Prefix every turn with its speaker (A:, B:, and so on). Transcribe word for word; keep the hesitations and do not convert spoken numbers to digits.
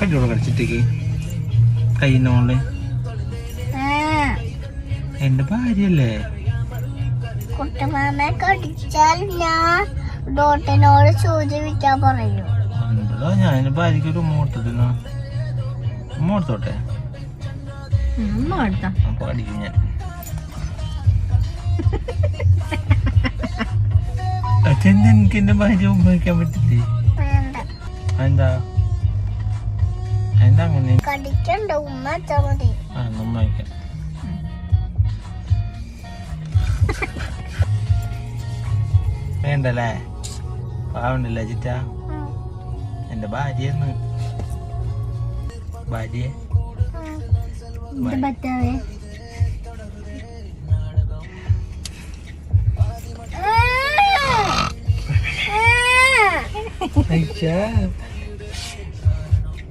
A: കടിയോട് കടിച്ചിട്ടേക്ക് കയ്യിനോള് എന്റെ ഭാര്യയല്ലേ.
B: കുട്ടമാമെ കടിച്ചാൽ ഞാൻ ഡോട്ടിനോട് സൂചിപ്പിക്കാൻ പറയൂ.
A: ഉണ്ടോ ഞാൻ എന്റെ ഭാര്യക്ക് ഒരു ഉമ്മ കൊടുത്തിട്ടുണ്ടോ? ഉമ്മ കൊടുത്തോട്ടെ അപ്പൊ അടിക്കും ഞാൻ. അതെന്താ എനിക്ക് എന്റെ ഭാര്യ ഉമ്മ വയ്ക്കാൻ പറ്റില്ലേ? എന്താ എന്താ അങ്ങനെ
B: കടിക്കണ്ട ഉമ്മ വെച്ചാ മതി.
A: ആ ഉമ്മ വയ്ക്കാം. വേണ്ടല്ലേ പാവണ്ടല്ലേ ചിറ്റ എന്റെ ഭാര്യന്ന് ഭാര്യ
B: പറ്റാവേ
A: അയ്യാ